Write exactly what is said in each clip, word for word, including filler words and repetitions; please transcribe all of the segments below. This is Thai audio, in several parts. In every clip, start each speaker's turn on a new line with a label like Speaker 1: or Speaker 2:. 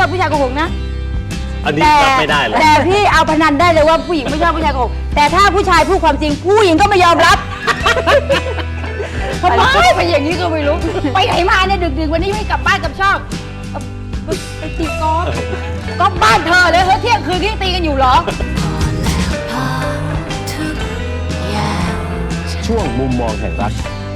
Speaker 1: อบผู้ชายโกหกนะ
Speaker 2: อันนี้รับไม่ได้เลย
Speaker 1: แต่พี่เอาพนันได้เลยว่าผู้หญิงไม่ชอบผู้ชายโกหกแต่ถ้าผู้ชายพูดความจริงผู้หญิงก็ไม่ยอมรับทำไมไปอย่างนี้ก็ไม่รู้ไปไหนมาเนี่ยดึกๆวันนี้ไม่กลับบ้านกับชอบไปตีกอล์ฟก็บ้านเธอเลยเฮ้ยเที่ยงคืนที่ตีกันอยู่เหรอ
Speaker 2: ช่วงมุมมองแห่งรัก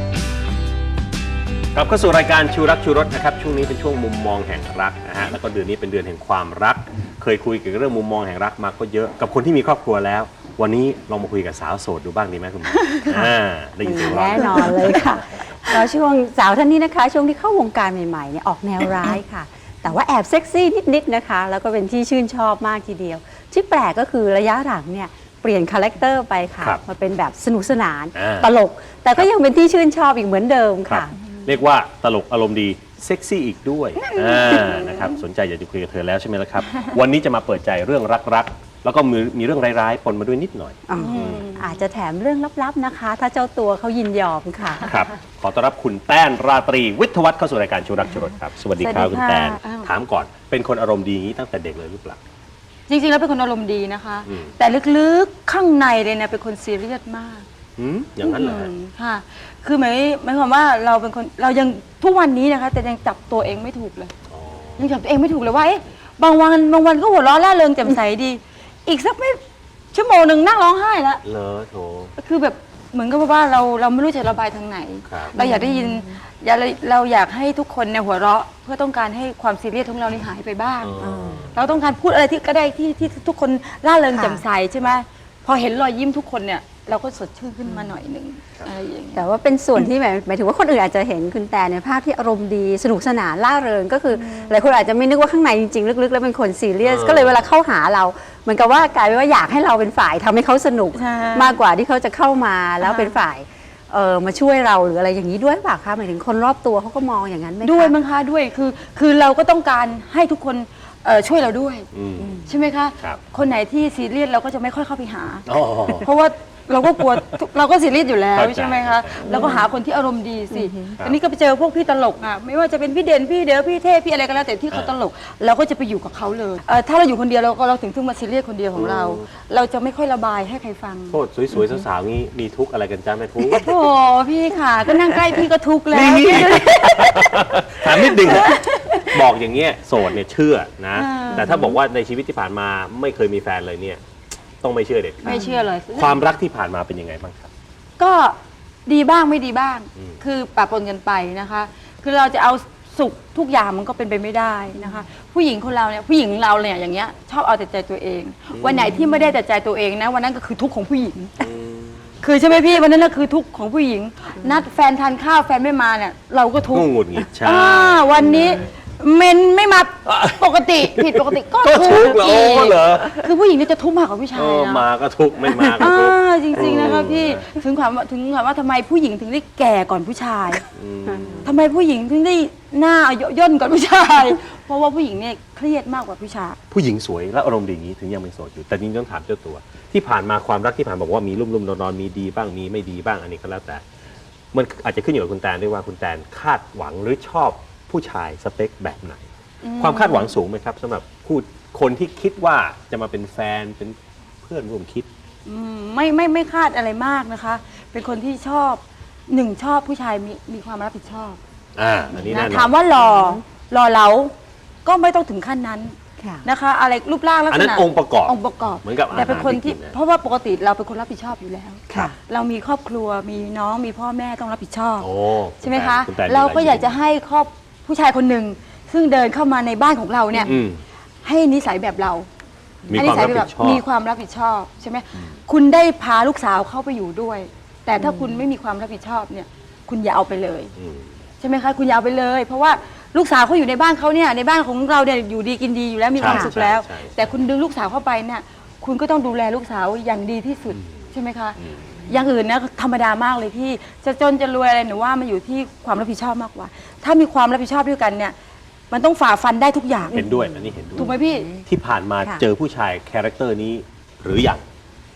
Speaker 2: กลับเข้าสู่รายการชูรักชูรสนะครับช่วงนี้เป็นช่วงมุมมองแห่งรักนะฮะแล้วก็เดือนนี้เป็นเดือนแห่งความรักเคยคุยเกี่ยวกับเรื่องมุมมองแห่งรักมาก็เยอะกับคนที่มีครอบครัวแล้ววันนี้ลองมาคุยกับสาวโสดดูบ้างดีไหมคุณหมออ่าได้ยินเสียงร้อง
Speaker 3: แน่นอนเลยค่ะแล้วช่วงสาวท่านนี้นะคะช่วงที่เข้าวงการใหม่ๆเนี่ยออกแนวร้ายค่ะแต่ว่าแอบเซ็กซี่นิดๆนะคะแล้วก็เป็นที่ชื่นชอบมากทีเดียวที่แปลกก็คือระยะหลังเนี่ยเปลี่ยนคาแรคเตอร์ไปค่ะมาเป็นแบบสนุกสนานตลกแต่ก็ยังเป็นที่ชื่นชอบอีกเหมือนเดิมค่ะ
Speaker 2: เรียกว่าตลกอารมณ์ดีเซ็กซี่อีกด้วยนะครับสนใจอยากจะคุยกับเธอแล้วใช่ไหมล่ะครับวันนี้จะมาเปิดใจเรื่องรักๆแล้วก็มีมีเรื่องร้ายๆปนมาด้วยนิดหน่อย
Speaker 3: อาจจะแถมเรื่องลับๆนะคะถ้าเจ้าตัวเขายินยอมค่ะ
Speaker 2: ครับขอต้อนรับคุณแป้นราตรีวิทยวัฒน์เข้าสู่รายการชูรักชูรสครับสวัสดีครับคุณแป้นถามก่อนเป็นคนอารมณ์ดีอย่างนี้ตั้งแต่เด็กเลยหรือเปล่า
Speaker 1: จริงๆแล้วเป็นคนอารมณ์ดีนะคะแต่ลึกๆข้างในเลยนะเป็นคนซีเรียสมาก
Speaker 2: อย่างนั้นเหรอ
Speaker 1: ค่ะคือหมายหมายความว่าเราเป็นคนเรายังทุกวันนี้นะคะแต่ยังจับตัวเองไม่ถูกเลยยังจับตัวเองไม่ถูกเลยว่าบางวันบางวันก็หัวเราะร่าเริงแจ่มใสดีอีกสักไม่ชั่วโมงหนึ่งนั่งร้องไห้แล้ว
Speaker 2: เลอะโถ
Speaker 1: คือแบบเหมือนกับว่าเราเราไม่รู้จะระบายทางไหนเราอยากได้ยินเราอยากให้ทุกคนเนี่ยหัวเราะเพื่อต้องการให้ความซีเรียสของเรานี่หายไปบ้างเราต้องการพูดอะไรที่ก็ได้ที่ที่ทุกคนร่าเริงแจ่มใสใช่ไหมพอเห็นรอยยิ้มทุกคนเนี่ยเราก็สดชื่นขึ้นมาหน่อยหนึ่งอะไรอย่างเงี้ย
Speaker 3: แต่ว่าเป็นส่วนที่หมายหมายถึงว่าคนอื่นอาจจะเห็นคุณแต่ในภาพที่อารมณ์ดีสนุกสนานล่าเริงก็คือหลายคนอาจจะไม่นึกว่าข้างในจริงๆลึกๆแล้วเป็นคนซีเรียสก็เลยเวลาเข้าหาเราเหมือนกับว่ากลายเป็นว่าอยากให้เราเป็นฝ่ายทำให้เขาสนุกมากกว่าที่เขาจะเข้ามาแล้วเป็นฝ่ายเออมาช่วยเราหรืออะไรอย่างนี้ด้วยเปล่าคะหมายถึงคนรอบตัวเขาก็มองอย่างนั้นไหมคะ
Speaker 1: ด้วยมั้งคะด้วยคือคือเราก็ต้องการให้ทุกคนช่วยเราด้วยใช่ไหมคะคนไหนที่ซีเรียสเราก็จะไม่ค่อยเข้าไปหาเพราะว่าเราก็กลัวเราก็ซีเรียสอยู่แล้วใช่ไหมคะเราก็หาคนที่อารมณ์ดีสิอันนี้ก็ไปเจอพวกพี่ตลกอ่ะไม่ว่าจะเป็นพี่เด่นพี่เด๋อพี่เทพพี่อะไรก็แล้วแต่ที่เขาตลกเราก็จะไปอยู่กับเขาเลยถ้าเราอยู่คนเดียวเราก็เราถึงถึงมาซีเรียสคนเดียวของเราเราจะไม่ค่อยระบายให้ใครฟัง
Speaker 2: โทษสวยๆสาวๆนี้มีทุกข์อะไรกันจ้าแม่ทุกข์
Speaker 1: โอ้พี่ค่ะก็นั่งใกล้พี่ก็ทุกข์แล้ว
Speaker 2: ถามนิดนึงบอกอย่างเงี้ยโสดเนี่ยเชื่อนะแต่ถ้าบอกว่าในชีวิตที่ผ่านมาไม่เคยมีแฟนเลยเนี่ยต้องไม่เชื่อเด็ดขาด
Speaker 1: ไม่เชื่อเลย
Speaker 2: ความรักที่ผ่านมาเป็นยังไงบ้างครับ
Speaker 1: ก็ดีบ้างไม่ดีบ้างคือปะปนกันไปนะคะคือเราจะเอาสุขทุกอย่างมันก็เป็นไปไม่ได้นะคะผู้หญิงคนเราเนี่ยผู้หญิงเราเนี่ยอย่างเงี้ยชอบเอาแต่ใจตัวเองวันไหนที่ไม่ได้แต่ใจตัวเองนะวันนั้นก็คือทุกข์ของผู้หญิงคือใช่ไหมพี่วันนั้นก็คือทุกข์ของผู้หญิงนัดแฟนทานข้าวแฟนไม่มาเนี่ยเราก็ทุกข์
Speaker 2: หงุดหงิดใช่
Speaker 1: วันนี้เมนไม่มาปกติผิดปกติก็
Speaker 2: ทุกข์อีก
Speaker 1: คือผู้หญิงนี่จะทุกข์มากกว่าผู้ชายนะ
Speaker 2: มาก็ทุกข์ไม่มาก็ทุกข์
Speaker 1: จริงๆนะคะพี่ถึงความว่าถึงความว่าทำไมผู้หญิงถึงได้แก่ก่อนผู้ชายทำไมผู้หญิงถึงได้หน้าย่นก่อนผู้ชายเพราะว่าผู้หญิงเนี่ยเครียดมากกว่าผู้ชาย
Speaker 2: ผู้หญิงสวยและอารมณ์ดีอย่างนี้ถึงยังเป็นโสดอยู่แต่นี่ต้องถามเจ้าตัวที่ผ่านมาความรักที่ผ่านบอกว่ามีรุ่มๆนอนๆมีดีบ้างมีไม่ดีบ้างอันนี้ก็แล้วแต่มันอาจจะขึ้นอยู่กับคุณแตนด้วยว่าคุณแตนคาดหวังหรือชอบผู้ชายสเปคแบบไหนความคาดหวังสูงไหมครับสำหรับผู้คนที่คิดว่าจะมาเป็นแฟนเป็นเพื่อนร่วมคิด
Speaker 1: ไม่ไม่ไม่คาดอะไรมากนะคะเป็นคนที่ชอบหนึ่งชอบผู้ชายมีมีความรับผิดชอบ
Speaker 2: อ่าอันนี้นะ
Speaker 1: ถามว่าหล่อหล่อเหลาก็ไม่ต้องถึงขั้นนั้นนะคะอะไรรูปร่างลักษณะ
Speaker 2: อันนั้นองค์ประกอบ
Speaker 1: องค์ประกอบ
Speaker 2: เหมือนกับ
Speaker 1: แต่เป็นคนที่เพราะว่าปกติเราเป็นคนรับผิดชอบอยู่แล้วเรามีครอบครัวมีน้องมีพ่อแม่ต้องรับผิดชอบใช่ไหมคะเราก็อยากจะให้ครอบผู้ชายคนหนึ่งซึ่งเดินเข้ามาในบ้านของเราเนี่ยให้นิสัยแบบเรา
Speaker 2: มีความรับผิดชอบ
Speaker 1: มีความรับผิดชอบใช่ไหมคุณได้พาลูกสาวเข้าไปอยู่ด้วยแต่ถ้าคุณไม่มีความรับผิดชอบเนี่ยคุณอย่าเอาไปเลยใช่ไหมคะคุณอย่าเอาไปเลยเพราะว่าลูกสาวเขาอยู่ในบ้านเขาเนี่ยในบ้านของเราเนี่ยอยู่ดีกินดีอยู่แล้วมีความสุขแล้วแต่คุณดึงลูกสาวเข้าไปเนี่ยคุณก็ต้องดูแลลูกสาวอย่างดีที่สุดใช่ไหมคะอย่างอื่นนะธรรมดามากเลยพี่จะจนจะรวยอะไรหนูว่ามันอยู่ที่ความรับผิดชอบมากกว่าถ้ามีความรับผิดชอบด้วยกันเนี่ยมันต้องฝ่าฟันได้ทุกอย่าง
Speaker 2: เห็นด้วยอันนี้เห็นด้วย
Speaker 1: ถูกไหมพี่
Speaker 2: ที่ผ่านมาเจอผู้ชายคาแรคเตอร์นี้หรือยัง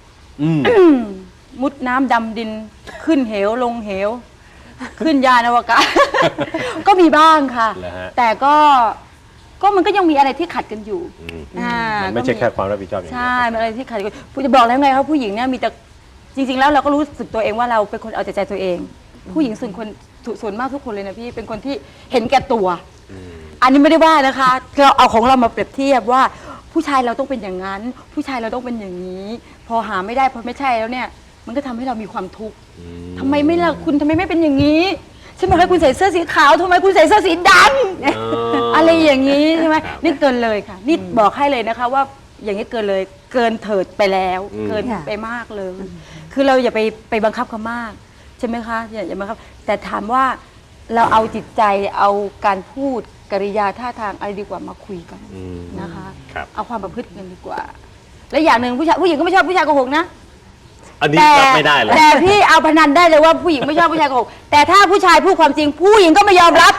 Speaker 1: มุดน้ำดำดินขึ้นเหวลงเหวขึ้นยานอวกาศก็มีบ้างค่ะแต่ก็ก็มันก็ยังมีอะไรที่ขัดกันอยู่
Speaker 2: อืม
Speaker 1: อ่า
Speaker 2: มันไม่ใช่แค่ความรับผิดชอบอย่างเดียว
Speaker 1: ใช่มันอะไรที่ขัดกันผู้จะบอกแล้วไงครับผู้หญิงเนี่ยมีแต่จริง ๆ แล้วเราก็รู้สึกตัวเองว่าเราเป็นคนเอาแต่ใจตัวเอง ผู้หญิงส่วนคนส่วนมากทุกคนเลยนะพี่เป็นคนที่เห็นแก่ตัว
Speaker 2: อืม
Speaker 1: อันนี้ไม่ได้ว่านะคะเราเอาของเรามาเปรียบเทียบว่าผู้ชายเราต้องเป็นอย่างนั้น ผู้ชายเราต้องเป็นอย่างนี้ พอหาไม่ได้พอไม่ใช่แล้วเนี่ย มันก็ทำให้เรามีความทุกข์
Speaker 2: อืม
Speaker 1: ทำไมไม่ล่ะคุณทำไมไม่เป็นอย่างนี้ใช่ไหมคะคุณใส่เสื้อสีขาวทำไมคุณใส่เสื้อสีดำอะไรอย่างนี้ใช่ไหมนี่เกินเลยค่ะ นี่บอกให้เลยนะคะว่าอย่างนี้เกินเลยเกินเถิดไปแล้ว
Speaker 2: อืม
Speaker 1: เกินไปมากเลย คือเราอย่าไปไปบังคับเขามากใช่ไหมคะอย่าอย่าบังคับแต่ถามว่าเราเอาจิตใจเอาการพูดกริยาท่าทางอะไรดีกว่ามาคุยกัน
Speaker 2: อืม
Speaker 1: นะคะ
Speaker 2: ครับ
Speaker 1: เอาความประพฤติกันดีกว่า และอย่างหนึ่งผู้ชายผู้หญิงก็ไม่ชอบผู้ชายโกหกนะ
Speaker 2: อันนี้
Speaker 1: แต่
Speaker 2: รับไม่ได้เลย
Speaker 1: แต่พี่เอาพนันได้เลยว่าผู้หญิงไม่ชอบผู้ชายโกหกแต่ถ้าผู้ชายพูดความจริง ผู้หญิงก็ไม่ยอมรับ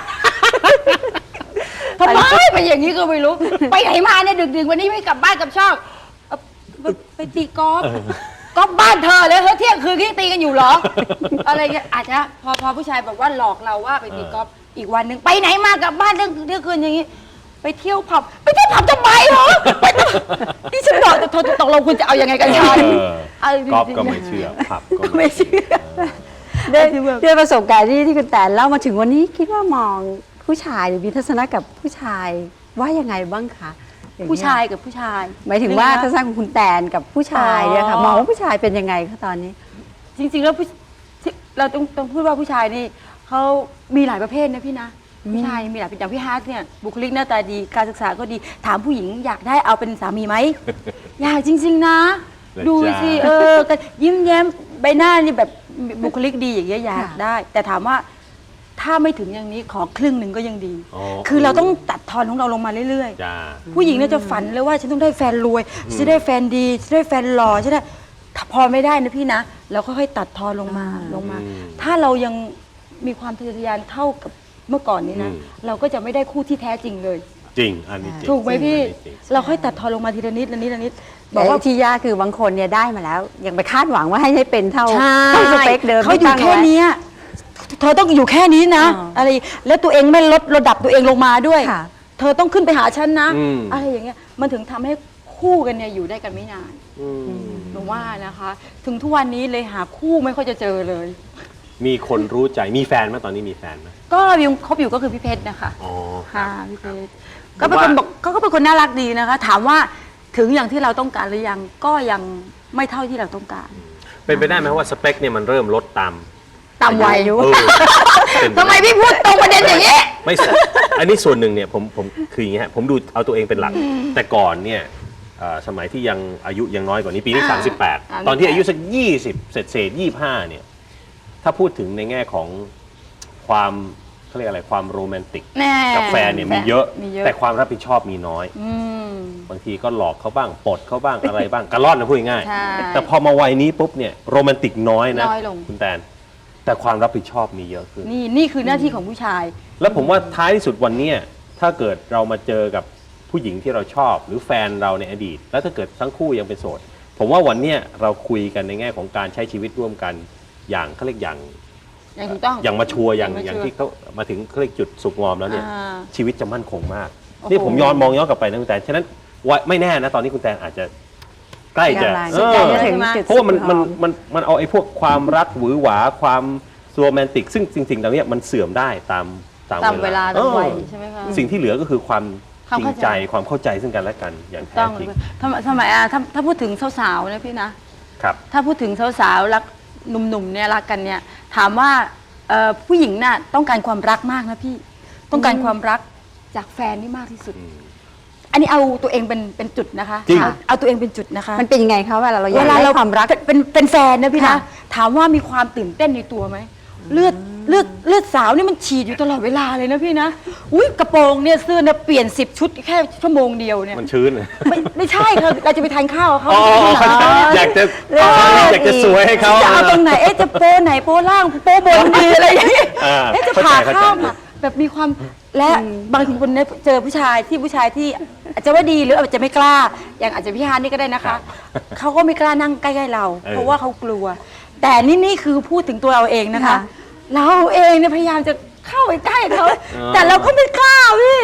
Speaker 1: ทำไมเป็นอย่างนี้ก็ไม่รู้ ไปไหนมาเนี่ยดึกๆวันนี้ไม่กลับบ้านกลับช่องเอาไปไปตีกอล์ฟกอล์ฟบ้านเธอเลยเฮ้ยเที่ยงคืนกี้ตีกันอยู่เหรอ อะไรเงี้ยอาจจะพอพอผู้ชายบอกว่าหลอกเราว่าไปตีกอล์ฟอีกวันหนึ่งไปไหนมากลับบ้านเที่ยงเที่ยงคืนอย่างนี้ ไปเที่ยวผับไปเที่ยวผับทำไมเหรอไปเที่ยวนี่ฉันบอกแต่เธอตกลงคุณจะเอายังไงกันฉัน
Speaker 2: เออ ก๊อฟก็ไม่เชื่อผับก็
Speaker 1: ไม่เชื่อ
Speaker 3: ด้วยด้วยประสบการณ์ที่ที่คุณแตนเล่ามาถึงวันนี้คิดว่ามองผู้ชายหรือมีทัศนะกับผู้ชายว่ายังไงบ้างคะองเงี้
Speaker 1: ผู้ชายกับผู้ชาย
Speaker 3: หมายถึงว่า
Speaker 1: เรื่
Speaker 3: ทั
Speaker 1: อง
Speaker 3: ศ
Speaker 1: นะ
Speaker 3: นะของคุณแตนกับผู้ชายเนี่ยค่ะ
Speaker 1: อ๋อ
Speaker 3: มองว่าผู้ชายเป็นยังไงคะตอนนี้
Speaker 1: จริงๆแล้วผู้ที่เราต้องต้องพูดว่าผู้ชายนี่เขามีหลายประเภทนะพี่นะผู้ชายมีหลายเป็นอย่างพี่ฮาร์ดเนี่ยบุคลิกหน้าตาดีการศึกษาก็ดีถามผู้หญิงอยากได้เอาเป็นสามีไหม อยากจริง ๆ นะ
Speaker 2: เลย
Speaker 1: ดู
Speaker 2: จ้า
Speaker 1: สิเออก็ยิ้มแย้มใบหน้านี่แบบบุคลิกดีอย่างเงี้ยอยาก
Speaker 3: ค่ะ
Speaker 1: ได้ แต่ถามว่าถ้าไม่ถึงอย่างนี้ขอครึ่งหนึ่งก็ยังดี
Speaker 2: อ๋อ
Speaker 1: คือเราต้องตัดทอนของเราลงมาเรื่อยๆ
Speaker 2: จ้า
Speaker 1: ผู้หญิงเนี่ยจะฝันเลยว่าฉันต้องได้แฟนรวยฉันจะได้แฟนดีฉันได้แฟนหล่อฉันได้ถ้าพอไม่ได้นะพี่นะเราก็ค่อยๆตัดทอนลงมา
Speaker 3: อ่า
Speaker 1: ลงมา
Speaker 2: อืม
Speaker 1: ถ้าเรายังมีความทะเยอทะยานเท่ากับเมื่อก่อนนี้นะ
Speaker 2: อืม
Speaker 1: เราก็จะไม่ได้คู่ที่แท้จริงเลย
Speaker 2: จริง อันนี้จริง
Speaker 1: ถูกไหมพี่
Speaker 2: อันนี้จริง
Speaker 1: เราค่อยตัดทอนลงมาทีละนิดละนิดละนิด
Speaker 3: บบ อ
Speaker 1: อก ก
Speaker 3: ว่า
Speaker 1: ว่า
Speaker 3: ที่ยากคือบางคนเนี่ยได้มาแล้ว ยังไปคาดหวังว่าให้ให้เป็นเท่า
Speaker 1: ใช่
Speaker 3: เท่าสเปคเดิม
Speaker 1: เขาอยู่
Speaker 3: ที่ตั้ง
Speaker 1: แค่
Speaker 3: ไว้
Speaker 1: เนี้ยเธอต้องอยู่แค่นี้นะ
Speaker 3: อ่า
Speaker 1: อะไรแล้วตัวเองไม่ลดระดับตัวเองลงมาด้วย
Speaker 3: ค่ะ
Speaker 1: เธอต้องขึ้นไปหาฉันนะ
Speaker 2: อืม
Speaker 1: อะไรอย่างเงี้ยมันถึงทำให้คู่กันเนี่ยอยู่ได้กันไม่นาน
Speaker 2: อืม
Speaker 1: หนูว่านะคะ ถึงทุกวันนี้เลยหาคู่ไม่ค่อยจะเจอเลย
Speaker 2: มีคนรู้ใจ มีแฟนไหมตอนนี้มีแฟนไหม
Speaker 1: ก็ยังคบอยู่ก็คือพี่เพชรนะคะ
Speaker 2: อ๋อ
Speaker 1: ค่ะพี่เพชรก็เป็นคนบอกเขาก็เป็นคนน่ารักดีนะคะ ถามว่าถึงอย่างที่เราต้องการหรือยังก็ยังไม่เท่าที่เราต้องการ
Speaker 2: เป็นไปได้ไหมว่าสเปคเนี่ยมันเริ่มลดตาม
Speaker 1: ตามวัย
Speaker 2: เออเป็นป
Speaker 1: ทำไม
Speaker 2: ด้
Speaker 1: พี่พูดตรงประเด็นอย่างนี้
Speaker 2: ไม่ใช่อันนี้ส่วนหนึ่งเนี่ยผมผมคืออย่างนี้ฮะผมดูเอาตัวเองเป็นหลัก แต่ก่อนเนี่ยเอ่อสมัยที่ยังอายุยังน้อยกว่านี้ปีนี้
Speaker 1: อ่า
Speaker 2: สามสิบแปด
Speaker 1: อ่า
Speaker 2: ตอนที่อายุสักยี่สิบเศษเศษยี่ห้าเนี่ยถ้าพูดถึงในแง่ของความเขาเรียกอะไรความโรแมนติก
Speaker 1: แน่
Speaker 2: กับแฟนเนี่ยมีเยอะ
Speaker 1: มีเยอะ
Speaker 2: แต่ความรับผิดชอบมีน้อย
Speaker 1: อืม
Speaker 2: บางทีก็หลอกเขาบ้างปลดเขาบ้างอะไรบ้างกระล่อนนะพูดง่ายๆ
Speaker 1: ใช่
Speaker 2: แต่พอมาวัยนี้ปุ๊บเนี่ยโรแมนติกน้อยนะ
Speaker 1: น้อยลง
Speaker 2: คุณแตนแต่ความรับผิดชอบมีเยอะขึ้น
Speaker 1: นี่นี่คือหน้าที่ของผู้ชาย
Speaker 2: แล้วผมว่าท้ายที่สุดวันเนี้ยถ้าเกิดเรามาเจอกับผู้หญิงที่เราชอบ หรือแฟนเราในอดีต แล้วถ้าเกิดทั้งคู่ยังเป็นโสด ผมว่าวันเนี้ยเราคุยกันในแง่ของการใช้ชีวิตร่วมกันอย่างเขาเรียกอย่าง
Speaker 1: อย่างถูกต้อง
Speaker 2: อย่างมาชัวร์อย่าง
Speaker 1: อย่างมาชัวร์
Speaker 2: อย่างที่เขามาถึงเขาเรียกจุดสุกงอมแล้วเนี่ย
Speaker 1: อ่า
Speaker 2: ชีวิตจะมั่นคงมาก
Speaker 1: โอ้โห
Speaker 2: นี่ผมย้อนมองย้อนกลับไปนะคุณแตนฉะนั้นวัยไม่แน่นะตอนนี้คุณแตนอาจจะใกล้จะ
Speaker 3: กำลัง
Speaker 2: เอ
Speaker 3: ใกล้
Speaker 2: อ
Speaker 3: จะถึงจุด
Speaker 2: เพราะว่ามัน
Speaker 3: สุด
Speaker 2: มัน
Speaker 3: หอ
Speaker 2: มันมันเอาไอ้พวกความรักหวือหวาความโรแมนติก ซึ่งสิ่งๆเหล่านี้มันเสื่อมได้ตามตาม
Speaker 1: ตามเวลาตามวัย
Speaker 2: เออ
Speaker 1: ใช่ไหมคะ
Speaker 2: สิ่งที่เหลือก็คือความ
Speaker 1: ความ
Speaker 2: จริง
Speaker 1: เข้าใจ
Speaker 2: ใจความเข้าใจซึ่งกันและกันอย่างแท้
Speaker 1: ต้อง
Speaker 2: จริง
Speaker 1: ทำสมัยอ่ะถ้าถ้าพูดถึงสาวๆนะพี่นะ
Speaker 2: ครับ
Speaker 1: ถ้าพูดถึงสาวๆรักหนุ่มๆเนี่ยรักกันเนี่ยถามว่าเอ่อผู้หญิงน่ะต้องการความรักมากนะพี่ ต้องการความรักจากแฟนนี่มากที่สุด อันนี้เอาตัวเองเป็นเป็นจุดนะคะ
Speaker 2: จริง
Speaker 1: ค่ะเอาตัวเองเป็นจุดนะคะ
Speaker 3: มันเป็นยังไงคะเวลาเราอยา
Speaker 1: เว
Speaker 3: ก
Speaker 1: ลา
Speaker 3: ได้
Speaker 1: เรา
Speaker 3: ความรัก
Speaker 1: เป็นเป็นเป็นแฟนนะพี่นะ
Speaker 3: ค่ะ
Speaker 1: ถามว่ามีความตื่นเต้นในตัวไหมเลือดเลือดเลือดสาวนี่มันฉีดอยู่ตลอดเวลาเลยนะพี่นะอุ้ยกระโปรงเนี่ยเสื้อเนี่ยเปลี่ยนสิบชุดแค่ชั่วโมงเดียวเนี่ย
Speaker 2: มันชื้น
Speaker 1: ไม่ไม่ใช่ค่ะเราจะไปทานข้าวกับเขา
Speaker 2: อ๋อ
Speaker 1: ที่ร้าน
Speaker 2: อยากจะ
Speaker 3: เออ
Speaker 2: อยากจะสวยให้เขา
Speaker 1: จะเอาตรงไหนเอ๊ะจะโป้ไหนโป้ล่างโป้บนดีอะไรอย่างเงี้ย
Speaker 2: อ่า
Speaker 1: เอ๊ะจะ
Speaker 2: เข้า
Speaker 1: ผ่า
Speaker 2: ใจเข้าใจ
Speaker 1: ข้ามอะแบบมีความและบางคนเนี่ยเจอผู้ชายที่ผู้ชายที่อาจจะว่าดีหรืออาจจะไม่กล้า อย่างอาจจะพี่ฮานนี่ก็ได้นะคะเขาก็ไม่กล้านั่งใกล้ๆเรา
Speaker 2: เออ
Speaker 1: เพราะว่าเขากลัว แต่นี่นี่คือพูดถึงตัวเราเองนะคะ
Speaker 3: ค่ะ
Speaker 1: เราเองเนี่ยพยายามจะเข้าไปใกล้เขาแต่เราก็ไม่กล้าพี่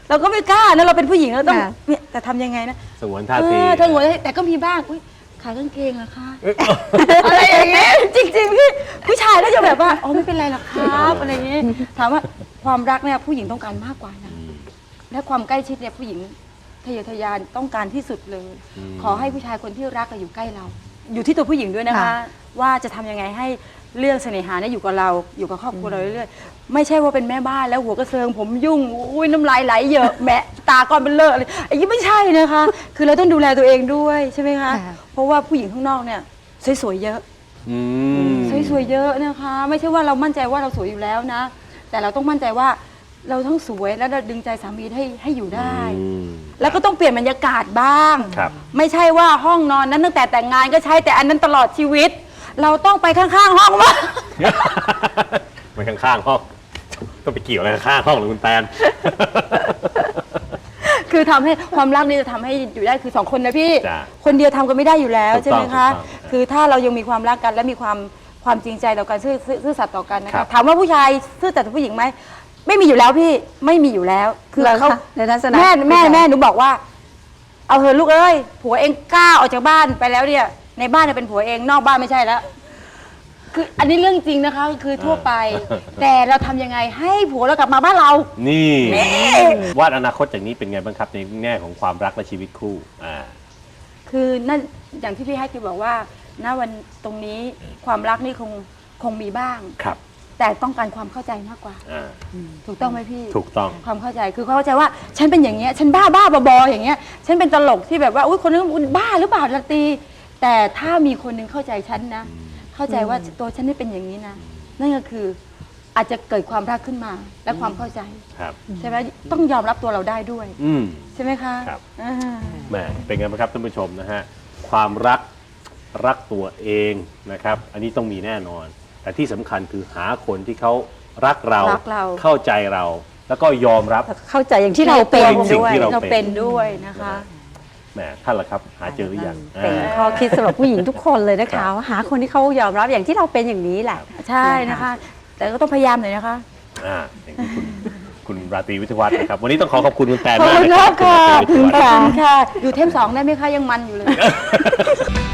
Speaker 1: เราก็ไม่กล้านะเราเป็นผู้หญิงเราต้อง
Speaker 3: ค่ะ
Speaker 1: เนี่ยแต่ทำยังไงนะ
Speaker 2: สงวนท่า
Speaker 1: เอ
Speaker 2: ที
Speaker 1: อทั้งหมดแต่ก็มีบ้างอุ๊ยขายกางเกงเหรอคะ อะไรอย่างเงี้ยจริงๆพี่ผู้ชายก็จะแบบว่าอ๋อไม่เป็นไรหรอกครับอะไรอย่างเงี้ยถามว่าความรักเนี่ยผู้หญิงต้องการมากกว่านะและความใกล้ชิดเนี่ยผู้หญิงทะเยอทะยานต้องการที่สุดเลย
Speaker 2: อืม
Speaker 1: ขอให้ผู้ชายคนที่รักอะอยู่ใกล้เรา อยู่ที่ตัวผู้หญิงด้วยนะคะ
Speaker 3: ค่ะ
Speaker 1: ว่าจะทำยังไงให้เรื่องเสน่หาเนี่ยอยู่กับเราอยู่กับครอบครัวเราเรื่อยๆไม่ใช่ว่าเป็นแม่บ้านแล้วหัวกระเซิงผมยุ่งอุ้ยน้ำลายไหลเยอะแหมะตาก้อนเป็นเลอะอะไรอันนี้ไม่ใช่นะคะ คือเราต้องดูแลตัวเองด้วยใช่ไหมคะ
Speaker 3: ค่ะ
Speaker 1: เพราะว่าผู้หญิงข้างนอกเนี่ยสวยๆเยอะ
Speaker 2: อืม
Speaker 1: สวยๆเยอะนะคะ ไม่ใช่ว่าเรามั่นใจว่าเราสวยอยู่แล้วนะ แต่เราต้องมั่นใจว่าเราทั้งสวยและเราดึงใจสามีให้ให้อยู่ได้
Speaker 2: อืม
Speaker 1: แล้วก็ต้องเปลี่ยนบรรยากาศบ้าง
Speaker 2: ครับ
Speaker 1: ไม่ใช่ว่าห้องนอนนั้นตั้งแต่แต่งงานก็ใช้แต่อันนั้นตลอดชีวิต เราต้องไปข้างๆห้องว่าง
Speaker 2: ไปข้างๆห้องต้องไปเกี่ยวอะไรกับข้างห้องหรือคุณแตน
Speaker 1: คือทำให้ความรักนี่จะทำให้อยู่ได้คือสองคนนะพี่
Speaker 2: จ้ะ
Speaker 1: คนเดียวทำกันไม่ได้อยู่แล้ว
Speaker 2: ถูก
Speaker 1: ใช่ไหม
Speaker 2: ต้อง
Speaker 1: คะ
Speaker 2: ถูกต้อง
Speaker 1: คือถ้าเรายังมีความรักกันและมีความความจริงใจต่อกันซื่อซื่อซื่อสัตย์ต่อกันนะ
Speaker 2: ครั
Speaker 1: คะ
Speaker 2: บ
Speaker 1: ถามว่าผู้ชายซื่อสัตย์ต่อผู้หญิงไหมไม่มีอยู่แล้วพี่ไม่มีอยู่แล้ว คือ
Speaker 3: เหรอ
Speaker 1: เขา
Speaker 3: คะในทัศนะ
Speaker 1: แม่แม่
Speaker 3: ผู้ชาย
Speaker 1: แม่หนูบอกว่า เอาเถอะลูกเอ้ยผัวเองกล้าออกจากบ้านไปแล้วเนี่ย ในบ้านเนี่ยเป็นผัวเองนอกบ้านไม่ใช่แล้ว คืออันนี้เรื่องจริงนะคะคือทั่วไป แต่เราทำยังไงให้ผัวเรากลับมาบ้านเรา
Speaker 2: นี่
Speaker 1: นี่
Speaker 2: วาดอนาคตจากนี้เป็นไงบ้างครับในแง่ของความรักและชีวิตคู่อ่า
Speaker 1: คือนั่นอย่างที่พี่ให้คือบอกว่าณวันตรงนี้ความรักนี่คงคงมีบ้าง
Speaker 2: ครับ
Speaker 1: แต่ต้องการความเข้าใจมากกว่า
Speaker 2: อ่า
Speaker 1: ถูกต้องไหมพี่
Speaker 2: ถูกต้อง
Speaker 1: ความเข้าใจคือเข้าใจว่าฉันเป็นอย่างเงี้ยฉันบ้าบ้าบอๆอย่างเงี้ยฉันเป็นตลกที่แบบว่าอุ้ยคนนึงอุ๊ยบ้าหรือเปล่าละตีแต่ถ้ามีคนหนึงเข้าใจฉันนะ เข้าใจว่าตัวฉันนี่เป็นอย่างนี้นะนั่นก็คืออาจจะเกิดความรักขึ้นมาและความเข้าใจ
Speaker 2: ครับ
Speaker 1: ใช่ไหมต้องยอมรับตัวเราได้ด้วย
Speaker 2: อืม
Speaker 1: ใช่ไหมคะ
Speaker 2: ครับ
Speaker 1: อ่า
Speaker 2: แหมเป็นไงบ้างครับท่านผู้ชมนะฮะความรักรักตัวเองนะครับ อันนี้ต้องมีแน่นอน แต่ที่สำคัญคือหาคนที่เขารักเรา
Speaker 1: รักเรา
Speaker 2: เข้าใจเรา แล้วก็ยอมรับ
Speaker 3: เข้าใจอย่างที่เราเป็น
Speaker 2: สิ่ง
Speaker 3: ด้วย
Speaker 2: ที่เรา
Speaker 1: เราเป็นด้วยนะคะ
Speaker 2: แหมท่านล่ะครับ หาเจอหรือยัง
Speaker 3: เป็น
Speaker 2: อ่า
Speaker 3: ข้อคิดสำหรับผู้หญิงทุกคนเลยนะ
Speaker 2: ครั
Speaker 3: คะ
Speaker 2: บ
Speaker 3: ว่าหาคนที่เขายอมรับอย่างที่เราเป็นอย่างนี้แหละ
Speaker 1: ใช่นะคะ แต่ก็ต้องพยายามหน่อยนะคะ
Speaker 2: อ่าอย่างที่คุณคุณราตรีวิทยวัฒน์นะครับ วันนี้ต้องขอขอบคุณคุณแตน
Speaker 1: ขอบ
Speaker 2: มาก
Speaker 1: คุณ
Speaker 2: นะค
Speaker 1: มา
Speaker 2: รั
Speaker 1: ก
Speaker 2: บคุณ
Speaker 1: ค่ะ
Speaker 2: ราตรีวิทยวัฒน์
Speaker 1: ขอบคุณค่ะ อยู่เทมสองได้ไหมคะยังมันอยู่เลย